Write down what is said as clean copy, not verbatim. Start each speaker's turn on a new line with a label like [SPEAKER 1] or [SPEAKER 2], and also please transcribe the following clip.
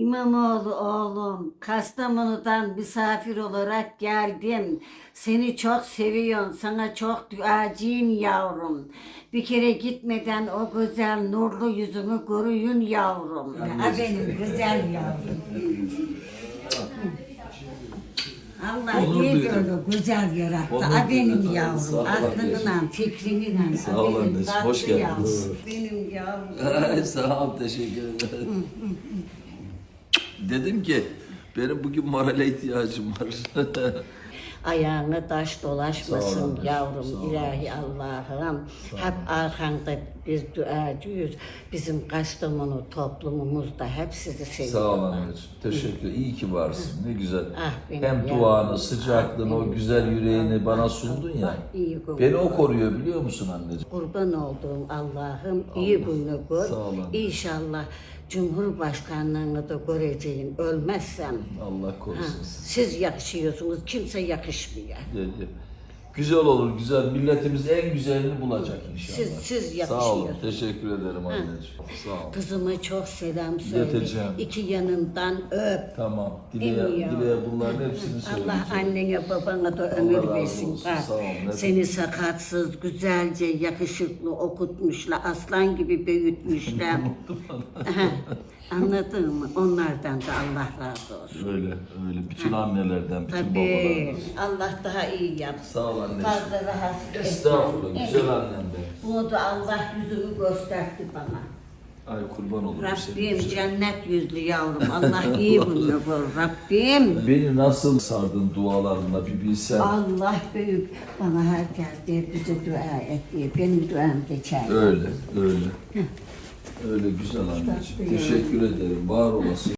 [SPEAKER 1] İmamoğlu oğlum, Kastamonu'dan misafir olarak geldim. Seni çok seviyorum, sana çok duacıyım yavrum. Bir kere gitmeden o güzel nurlu yüzünü görüyün yavrum. Ha, benim güzel yavrum. Allah
[SPEAKER 2] Onur
[SPEAKER 1] iyi
[SPEAKER 2] duydum.
[SPEAKER 1] böyle güzel yarattı.
[SPEAKER 2] Onur
[SPEAKER 1] Ha benim
[SPEAKER 2] duydum. Sağ
[SPEAKER 1] yavrum.
[SPEAKER 2] ol
[SPEAKER 1] Aklınla, fikrinle.
[SPEAKER 2] Sağ ol anneciğim, hoş geldiniz.
[SPEAKER 1] Benim yavrum.
[SPEAKER 2] Sağ ol, teşekkür ederim. Dedim ki, benim bugün morale ihtiyacım var.
[SPEAKER 1] Ayağına taş
[SPEAKER 2] Sağ
[SPEAKER 1] dolaşmasın
[SPEAKER 2] ol,
[SPEAKER 1] yavrum,
[SPEAKER 2] sağ ol.
[SPEAKER 1] ilahi Allah'ım. Hep arkanda biz duacıyız. Bizim Kastamonu toplumumuzda hep sizi
[SPEAKER 2] Sağ ol
[SPEAKER 1] seviyorlar.
[SPEAKER 2] anneciğim, teşekkür. İyi ki varsın, ne güzel.
[SPEAKER 1] Ah, benim
[SPEAKER 2] Hem
[SPEAKER 1] yavrum.
[SPEAKER 2] duanı, sıcaklığını,
[SPEAKER 1] Ah,
[SPEAKER 2] o
[SPEAKER 1] benim
[SPEAKER 2] güzel yüreğini
[SPEAKER 1] yavrum.
[SPEAKER 2] bana
[SPEAKER 1] Ah,
[SPEAKER 2] sundun
[SPEAKER 1] Allah
[SPEAKER 2] ya.
[SPEAKER 1] iyi kurban.
[SPEAKER 2] Beni o koruyor biliyor musun anneciğim?
[SPEAKER 1] Kurban olduğum Allah'ım iyi günü gör.
[SPEAKER 2] Sağ ol anne.
[SPEAKER 1] İnşallah Cumhurbaşkanlığını da göreceğim. Ölmezsem.
[SPEAKER 2] Allah
[SPEAKER 1] Ha,
[SPEAKER 2] korusun.
[SPEAKER 1] siz yakışıyorsunuz, kimse yakışmıyor.
[SPEAKER 2] Dedi. Güzel olur, güzel. Milletimiz en güzelini bulacak inşallah.
[SPEAKER 1] Siz
[SPEAKER 2] Sağ olun,
[SPEAKER 1] yakışıyorsunuz.
[SPEAKER 2] teşekkür ederim anneciğim. Sağ ol.
[SPEAKER 1] Kızıma çok selam söyle.
[SPEAKER 2] İleteceğim.
[SPEAKER 1] İki yanından öp.
[SPEAKER 2] Tamam,
[SPEAKER 1] Emiyor.
[SPEAKER 2] Dile'ye bunların hepsini söyleyeceğim.
[SPEAKER 1] Allah annene babana da
[SPEAKER 2] Allah
[SPEAKER 1] ömür
[SPEAKER 2] razı
[SPEAKER 1] versin.
[SPEAKER 2] olsun,
[SPEAKER 1] Bak,
[SPEAKER 2] sağ ol, ne
[SPEAKER 1] seni sakatsız, güzelce, yakışıklı okutmuşlar. Aslan gibi büyütmüşler. Aha, anladın mı? Onlardan da Allah razı olsun.
[SPEAKER 2] Öyle, öyle. Bütün annelerden, bütün
[SPEAKER 1] Tabii.
[SPEAKER 2] babalardan.
[SPEAKER 1] Allah daha iyi yapsın.
[SPEAKER 2] Sağ ol anneciğim.
[SPEAKER 1] Fazla rahatsız etme.
[SPEAKER 2] Estağfurullah, güzel annem be.
[SPEAKER 1] Bunu da Allah yüzünü gösterdi bana.
[SPEAKER 2] Ay kurban olurum
[SPEAKER 1] Rabbim
[SPEAKER 2] senin.
[SPEAKER 1] cennet yüzlü yavrum. Allah iyi bunu bul. Rabbim.
[SPEAKER 2] Beni nasıl sardın dualarınla bir bilsen.
[SPEAKER 1] Allah büyük. Bana herkes der bize dua et diye. Benim duam geçer.
[SPEAKER 2] Öyle, öyle. Öyle güzel anneciğim. Teşekkür ederim, var olasın.